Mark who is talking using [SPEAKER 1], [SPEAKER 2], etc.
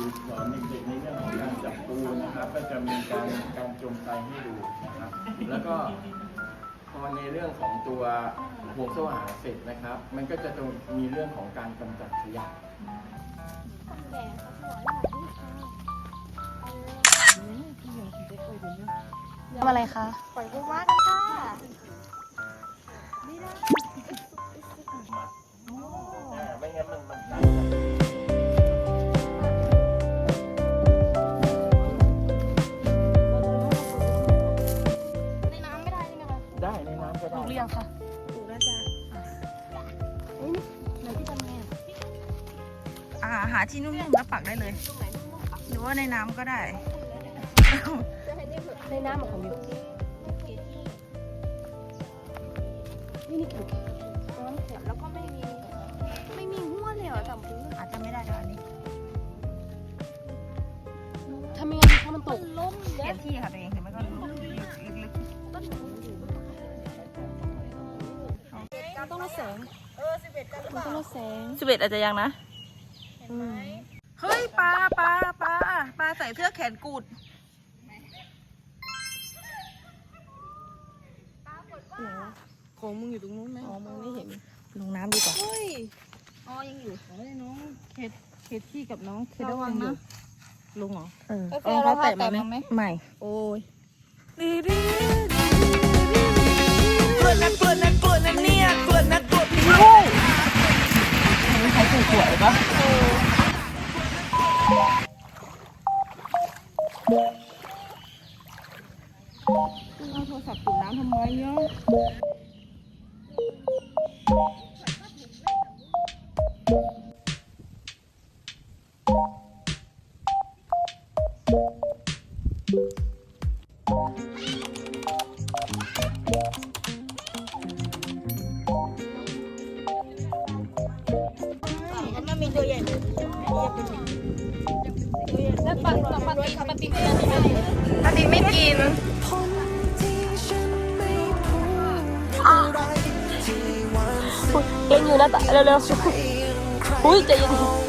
[SPEAKER 1] สอนเด็กๆในเรื่องของการจับปูนะครับก็จะมีการจมไตให้ดูนะครับ แล้วก็พอในเรื่องของตัวห่วงโซ่อาหารเสร็จนะครับ มันก็จะต้องมีเรื่องของการกำจัดขยะ
[SPEAKER 2] ทำอะไรคะ
[SPEAKER 3] ปล่อยปูม้ากันค่ะไม่ได้
[SPEAKER 1] ไม่งั้นมัน
[SPEAKER 3] ในน้ำไม่ได้ใช่ไหมคะ
[SPEAKER 1] ได้ในน้ำก็ได้
[SPEAKER 2] ถูกเรียงค่ะ
[SPEAKER 3] ถูกแล้วจ้ะไหนที่ทำไงอ่ะ
[SPEAKER 2] หาที่นุ่มๆแล้วปักได้เลย
[SPEAKER 3] ตรงไหน
[SPEAKER 2] หรือว่าในน้ำก็ได้
[SPEAKER 3] จะให้ในน้ำของอยู่นี่ถูกน้ำแข็งแล้วก็ไม่มีหัวเลยเหรอจำพื้น
[SPEAKER 2] อาจจะไม่ได้ด้วยอันนี้
[SPEAKER 3] ทำยังไงดีถ้ามันตกล้ม
[SPEAKER 2] เปลี่ยนที่ค่ะตัวเองเห็นไหมก็ลุกลึก
[SPEAKER 3] ต้องลดแสงมันต้องลดแสง
[SPEAKER 2] ๆ11อาจจะยังนะเฮ้ยปลาใส่เสื้อแขนกุด
[SPEAKER 3] ของมึงอยู่ตรงนู้นไหมอ๋อมึงไม่เห็น
[SPEAKER 2] ลงน้ำดีกว่า
[SPEAKER 3] เฮ้ยอ๋อยังอยู่เฮ้ยน้องเคที่กับน้องเคระวังนะลุงเหรอ
[SPEAKER 2] เขาแตะมาไหมไม่
[SPEAKER 3] โอ้ย
[SPEAKER 2] เกลือนะเนี่ยเกลือนะกดนี่ใช้ถูกหวยปะ
[SPEAKER 3] เอาโทรศัพท์จุ่มน้ำทำไมเนาะมันมีตัวใหญ่เลยแล้วปลาตีนไม่ได้
[SPEAKER 2] ปฏิไม่กิน
[SPEAKER 3] เก่งอยู่นะแต่เร็วๆอุ้ยใจเย็น